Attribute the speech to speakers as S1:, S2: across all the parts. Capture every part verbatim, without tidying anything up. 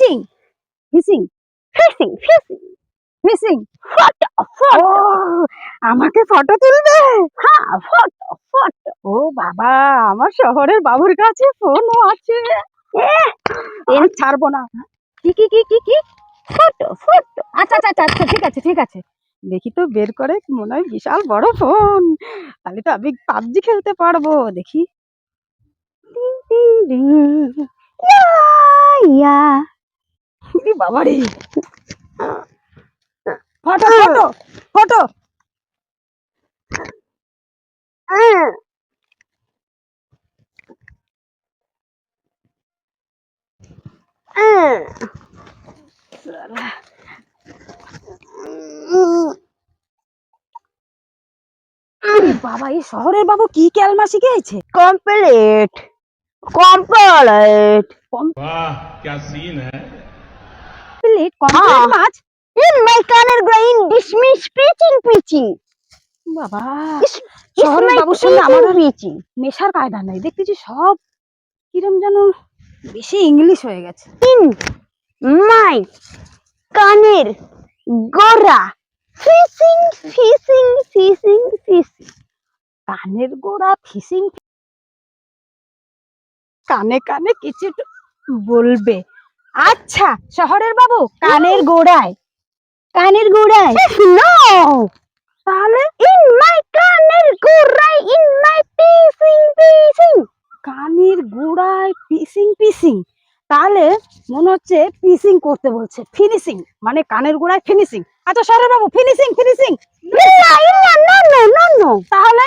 S1: Fishing fishing
S2: fishing fishing
S1: fishing
S2: photo photo
S1: আমাকে photo তুলবে?
S2: হ্যাঁ ফটো ফটো
S1: ও বাবা, আমার শহরের বাবুর কাছে ফোনও আছে। আর ছাড়বো না। কি কি কি কি কি
S2: ফটো ফটো
S1: আচ্ছা আচ্ছা আচ্ছা আচ্ছা ঠিক আছে ঠিক আছে, দেখি তো বের করে, মনে হয় বিশাল বড় ফোন, তাহলে তো আমি পাবজি খেলতে পারবো। দেখি
S2: ইয়া
S1: বাবারে, ফটো ফটো ফটো বাবা, এই শহরের বাবু কি ক্যালমা শিখেছে?
S2: কমপ্লিট কমপ্লিট
S3: वाह क्या सीन है।
S1: কমপ্লিট কমপ্লিট মাছ।
S2: in my কানের গ্রাইন ডিসমিস পিচিং পিচিং
S1: বাবা,
S2: is
S1: শহরের
S2: my
S1: বাবুর সঙ্গে আমার আর
S2: পিচিং
S1: মেশার কায়দা নাই, দেখতেছি সব কিরম যেন বেশি ইংলিশ হয়ে গেছে।
S2: in my কানের গোড়া ফিশিং ফিশিং ফিশিং ফিশিং
S1: কানের গোড়া ফিশিং, কানে কানে কিছু বলবে। আচ্ছা শহরের বাবু, কানের গোড়ায়, কানের গোড়ায়
S2: no
S1: তাহলে
S2: in my কানের গোড়ায় in my পিচিং পিচিং
S1: কানের গোড়ায় পিসিং পিসিং, তাহলে মনে হচ্ছে পিসিং করতে বলছে, ফিনিশিং মানে কানের গোড়ায় ফিনিশিং। আচ্ছা শহরের বাবু, ফিনিশিং ফিনিশিং
S2: ইল্লা ইল্লা no no no no
S1: তাহলে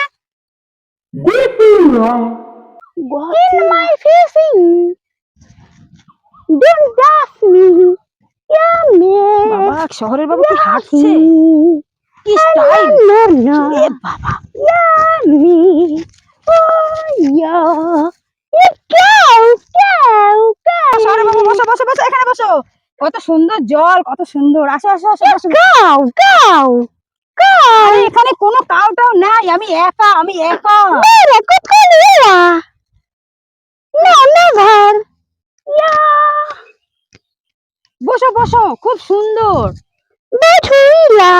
S2: in my fishing don't touch me yeah me
S1: বাবা, শহরের বাবু কি হাঁটছে, কি স্টাইল!
S2: no no
S1: এ বাবা,
S2: yeah me oh yeah yeah cow cow cow
S1: শহরের বাবু বসো বসো বসো, এখানে বসো। কত সুন্দর জল, কত সুন্দর, আসো আসো আসো বসো।
S2: cow cow cow
S1: আরে এখানে কোনো কাউটাও নাই, আমি একা, আমি একা।
S2: Mira, cocolera no never yeah
S1: বসো বসো, খুব সুন্দর।
S2: Betuila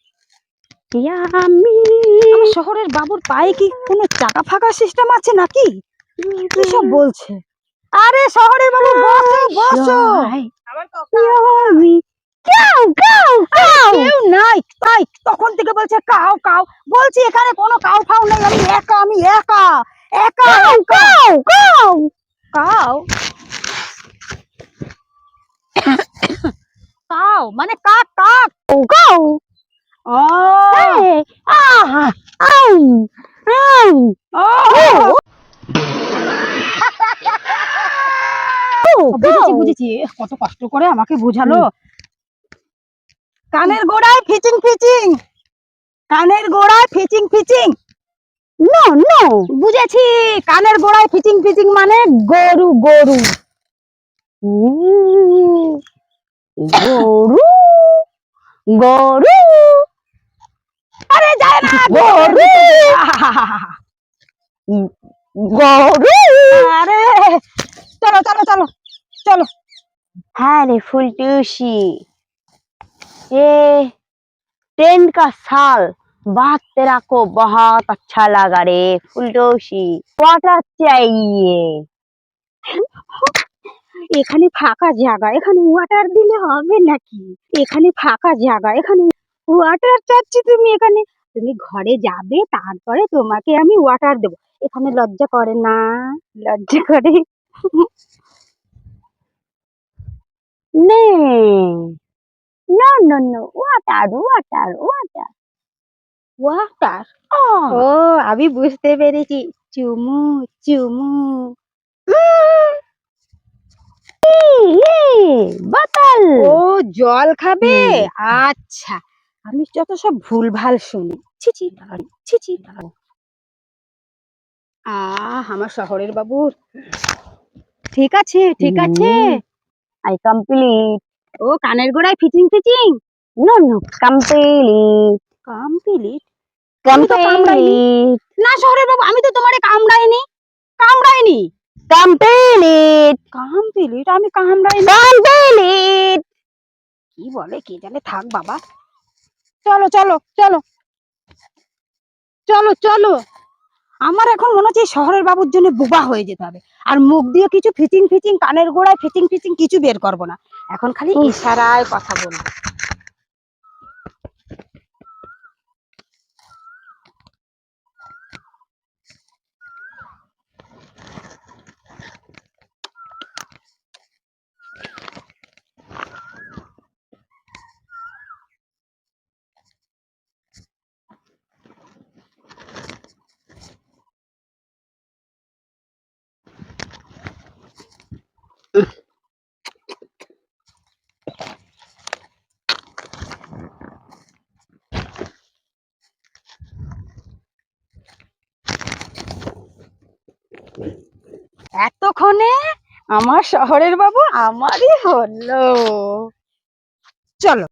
S2: yummy
S1: আমার শহরের বাবুর পায়ে কি কোনো চাকা ফাঁকা সিস্টেম আছে নাকি? কি সব বলছে? আরে শহরের বাবু বসো বসো।
S2: yummy cow cow cow
S1: কেউ নাই, তাই তখন থেকে বলছে কাউ কাউ, বলছি এখানে কোনো কাউ ফাউ নেই, আমি একা, আমি একা একা
S2: cow cow cow
S1: cow cow মানে কাক কাক।
S2: cow
S1: ও
S2: hey ah ow ow
S1: ও বুঝেছি বুঝেছি, কত কষ্ট করে আমাকে বুঝালো। কানের গোড়ায় ফিচিং ফিচিং, কানের গোড়ায় ফিচিং ফিচিং,
S2: no no
S1: বুঝেছি। কানের গোড়ায় ফিচিং ফিচিং মানে গরু গরু।
S2: গরু গরু
S1: আরে যায় না
S2: গরু গরু
S1: আরে চলো চলো চলো চলো।
S2: हाँ रे फुलटूसी ये ट्रेन का साल बात तेरा को बहुत अच्छा लगा रे फुलटूसी वाटर चाहिए
S1: এখানে ফাঁকা জায়গা, এখানে ওয়াটার দিলে হবে নাকি? এখানে ফাঁকা জায়গা, এখানে ওয়াটার চাচ্ছি তুমি, এখানে তুমি ঘরে যাবে, তারপরে তোমাকে আমি ওয়াটার দেবো। এখানে লজ্জা করে না? লজ্জা করে?
S2: नहीं no no no water water water
S1: water,
S2: oh
S1: ও আমি বুঝতে পেরেছি, চুমু চুমু।
S2: ये बोतल
S1: ও জল খাবে, আচ্ছা। আমি যত সব ভুলভাল শুনি, ছিছি ছিছি। আহ আমার শহরের বাবুর, ঠিক আছে ঠিক আছে।
S2: I complete
S1: ও কানের গোড়ায় ফিচিং ফিচিং,
S2: no no complete
S1: কমপ্লিট। আমি তো কামড়াইনি।
S2: complete
S1: না শহরের বাবু, আমি তো তোমারে কামড়াইনি, কামড়াইনি।
S2: Complete
S1: complete? আমি কামড়াই না।
S2: কমপ্লিট
S1: কি বলে কে জানে, থাক বাবা। চলো চলো চলো চলো চলো। আমার এখন মনে হচ্ছে এই শহরের বাবুর জন্য বোবা হয়ে যেতে হবে। আর মুখ দিয়ে কিছু ফিচিং ফিচিং, কানের গোড়ায় ফিচিং ফিচিং কিছু বের করবো না। এখন খালি ইশারায় কথা বলবো। এতক্ষণে আমার শহরের বাবু আমারই হলো। চলো।